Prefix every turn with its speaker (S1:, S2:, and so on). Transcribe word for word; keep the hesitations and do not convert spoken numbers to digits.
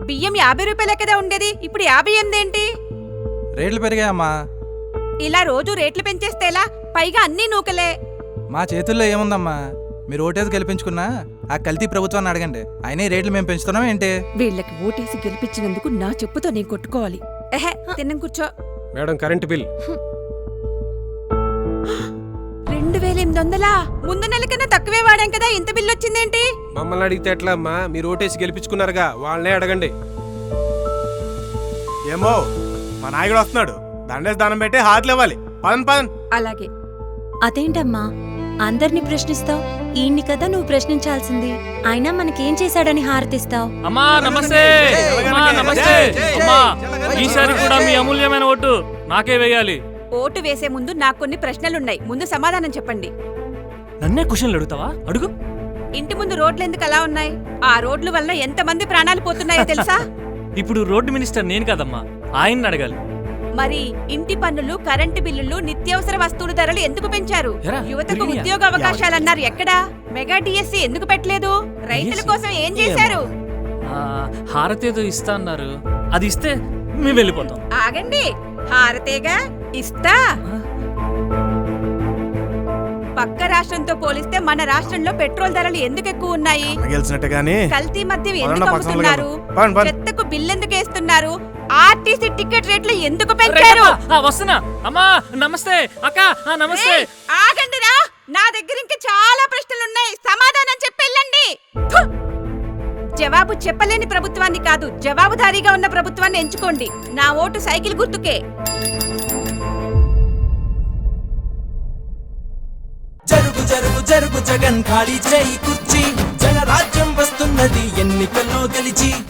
S1: బియ్యం యాభై రూపాయలే కదా ఉండేది, ఇప్పుడు యాభై ఎనిమిదేంటి?
S2: రేట్లు పెరిగాయమ్మా.
S1: ఇలా రోజు రేట్లు పెంచేస్తే ఎలా? పైగా అన్నీ నూకలే.
S2: మా చేతుల్లో ఏముందమ్మా? మీరు ఓటేసి గెలిపించుకున్నా ఆ కల్తీ ప్రభుత్వాన్ని అడగండి. అయినా ఈ రేట్లు మేము పెంచుతున్నాం ఏంటి?
S1: వీళ్ళకి ఓటేసి గెలిపించినందుకు నా చెప్పుతో నేను కొట్టుకోవాలి. ఎహే, తిన్నం కూర్చో.
S3: మేడం కరెంట్ బిల్
S1: రెండు వేల ఎనిమిది వందలా? ముందు నెల కన్నా తక్కువే వాడాం కదా, ఇంత బిల్లు వచ్చిందేంటి?
S3: మమ్మల్ని అడిగితే ఎట్లా అమ్మా? మీరు ఓటేసి గెలిపించుకున్నారుగా, వాళ్ళనే అడగండి.
S4: ఏమో మా నాయకుడు వస్తున్నాడు, దండేసి దానం పెట్టి హాతలు ఇవ్వాలి. పదన్ పదన్.
S1: అలాగే.
S5: అదేంటమ్మా అందరినీ ప్రశ్నిస్తావు? ఈయన్ని కదా నువ్వు ప్రశ్నించాల్సింది. అయినా మనకేం చేశాడని హారతిస్తావు?
S6: అమ్మా నమస్తే. అమ్మా నమస్తే. అమ్మా ఈసారి కూడా మీ అమూల్యమైన ఓటు నాకే వేయాలి.
S1: ఓటు వేసే ముందు నాకు కొన్ని ప్రశ్నలున్నాయి, ముందు సమాధానం చెప్పండి.
S6: నన్నే క్వశ్చన్లు అడుగుతావా? అడుగు.
S1: ఇంటి ముందు రోడ్లు ఎందుకు అలా ఉన్నాయి? ఆ రోడ్ల వల్ల ఎంత మంది ప్రాణాలు పోతున్నాయో తెలుసా?
S6: ఇప్పుడు రోడ్డు మినిస్టర్ నేను కదమ్మా, ఆయన్ని అడగాలి.
S1: మరి ఇంటి పన్నులు, కరెంటు బిల్లులు, నిత్యావసర వస్తువుల ధరలు ఎందుకు పెంచారు?
S6: ఎరా,
S1: యువతకు
S6: తిరిగినాయా?
S1: ఉద్యోగ అవకాశాలన్నారు, ఎక్కడా? మెగా డిఎస్సి ఎందుకు పెట్టలేదు? రైతుల కోసం ఏం చేశారు?
S6: ఆ, హారతేదో ఇస్తా అన్నారు, అది ఇస్తే మేము వెళ్ళిపోతాం.
S1: ఆగండి, హారతేగా ఇస్తా. పక్క రాష్ట్రంతో పోలిస్తే మన రాష్ట్రంలో పెట్రోల్ ధరలు ఎందుకు ఎక్కువ ఉన్నాయి?
S4: గెలిచినట్టే గానీ
S1: కల్తీ మద్యం
S4: పదండి,
S1: ఎందుకు
S4: పక్కన
S1: అమ్ముతున్నారు?
S4: పదండి, పదండి.
S1: చెత్తకు బిల్లు ఎందుకు వేస్తున్నారు? ఆర్టీసీ టికెట్ రేట్లు ఎందుకు పెంచారు?
S6: రేఖమ్మా, ఆ, వస్తున్నా. అమ్మా నమస్తే అక్క. ఆ, నమస్తే.
S1: ఏయ్, ఆగండిరా, నా దగ్గర ఇంకా చాలా ప్రశ్నలున్నాయి, సమాధానం చెప్పెళ్ళండి. ఫు! జవాబు చెప్పలేని ప్రభుత్వాన్ని కాదు, జవాబుదారీగా ఉన్న ప్రభుత్వాన్ని ఎంచుకోండి. నా ఓటు సైకిల్ గుర్తుకే.
S7: జరుగు జరుగు జరుగు జగన్ ఖాళీ చేయి కుర్చీ, జనరాజ్యం వస్తున్నది ఎన్నికల్లో గెలిచి.